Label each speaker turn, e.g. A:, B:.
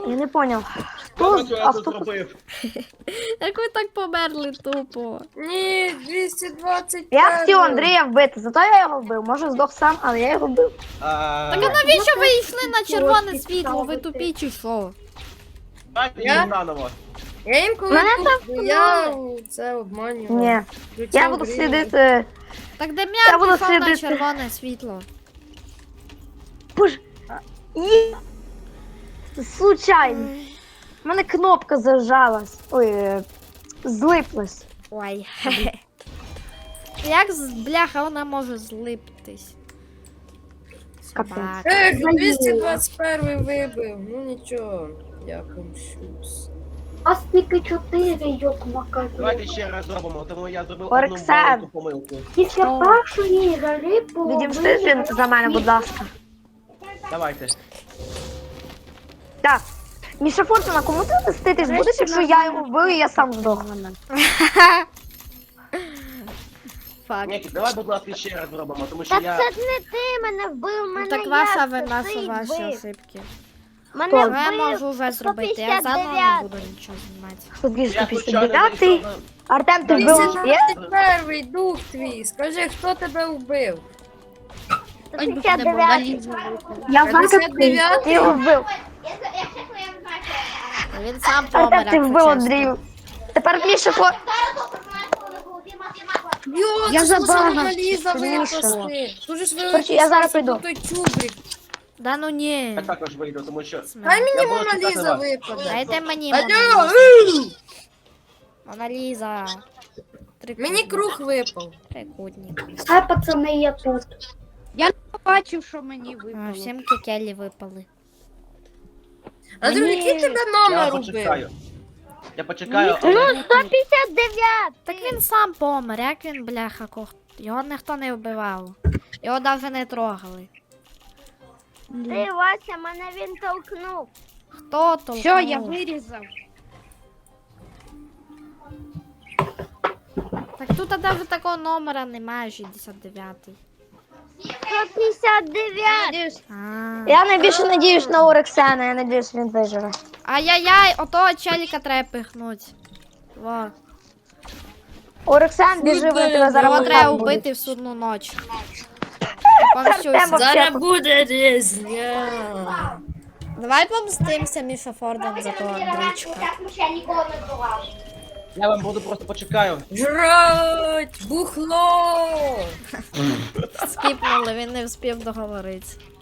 A: Я не поняв.
B: Що я тут
A: Авто...
B: зробив?
C: Як ви так померли тупо?
D: Ні, 220.
A: Я хотів Андрія вбити, зато я його вбив. Може здох сам, але я його вбив.
C: Так а навіщо ви йшли на червоне світло? Ви тупі чи що?
B: Давайте
D: Я?
B: їм наново.
D: Я інколи
A: Мене
D: тут, я це обманював.
A: Ні. Я буду слідити.
C: Так
A: Я
C: Дем'ян
A: буду
C: пішов на
A: слідити.
C: червоне світло.
A: Боже. Є. Случайно. У мене кнопка зажалась. Ой, злиплась.
C: Ой. Як бляха вона може злиптись?
A: Капець.
C: Собака.
D: Ех, 221 вибив. Ну нічого, я помщусь.
E: А тільки 4, йок макаки.
B: Давайте ще раз зробимо, тому я зробив
A: Орксан.
B: одну маленьку помилку.
E: Після першої гри
A: Відімстити за мене, будь ласка.
B: Давайте.
A: Так. Міша Фортуна, кому ти мститись будеш, якщо я його вбив і я сам здох?
C: Фак.
B: Ні, давай, будь ласка, ще раз зробимо, тому що
E: Так
B: я...
E: це ж не ти мене вбив,
C: Ну,
E: мене
C: так
E: я
C: ваша вина,
E: ти
C: що ваші
E: вбив.
C: ошибки.
E: Мене
A: Хто?
C: Я можу
E: вбив
C: вже зробити, я заново не
E: 159.
C: буду нічого знімати.
A: Хто більше
B: Я случайно
A: 159?
B: зайшов на...
A: Артем, ти вбив? Є?
D: 221 дух твій. Скажи, хто тебе вбив?
E: 159.
A: Я знаю, як ти.
D: 59?
A: Ти його вбив.
C: Він сам помер,
A: Артем, ти
C: якщо
A: вбив
C: чесно.
A: Андрію. Тепер Міша Фортуна.
D: Йо,
A: Я
D: це
A: забагав.
D: ж Ліза
A: Міша.
D: випасти. Дуже ж
A: Короче, я зараз прийду.
D: той чубрик.
C: Да ну ні.
B: Я також вийду, тому що...
D: Дай мені
B: Я буду
D: Мона
B: чекати
D: Ліза
B: вас.
D: випаде.
C: Дайте мені
D: Алло!
C: Мона Ліза.
D: Мені круг випав.
C: Трикутник.
E: А пацани, я тут.
F: Бачив, що мені
C: А,
F: випало.
C: всім кікелі випали.
D: А друг, який тебе
B: Я
D: номер убив?
B: почекаю. Я почекаю,
E: Ну,
B: але...
E: 159.
C: Так він сам помер, як він, бляха, його ніхто не вбивав. Його навіть не трогали.
E: Ти, Вася, мене він толкнув.
C: Хто толкнув?
F: Все, я вирізав.
C: Так тут навіть такого номера немає, 69-й.
E: 159.
C: А.
A: Я найбільше надіюсь на Орексена, я надіюсь, він виживе.
C: Ай-яй-яй, отого челіка треба пихнуть. Во.
A: Орексен, біжи, вони тебе зараз
C: Його треба
A: лутати будуть.
C: вбити в судну ніч.
A: Артема.
D: Зараз буде різня.
C: Давай помстимося Міша Форден за того Андрійчика.
B: я вам буду просто почекаю.
D: Жрать! Бухло!
C: Скіпнули, він не встиг договоритися.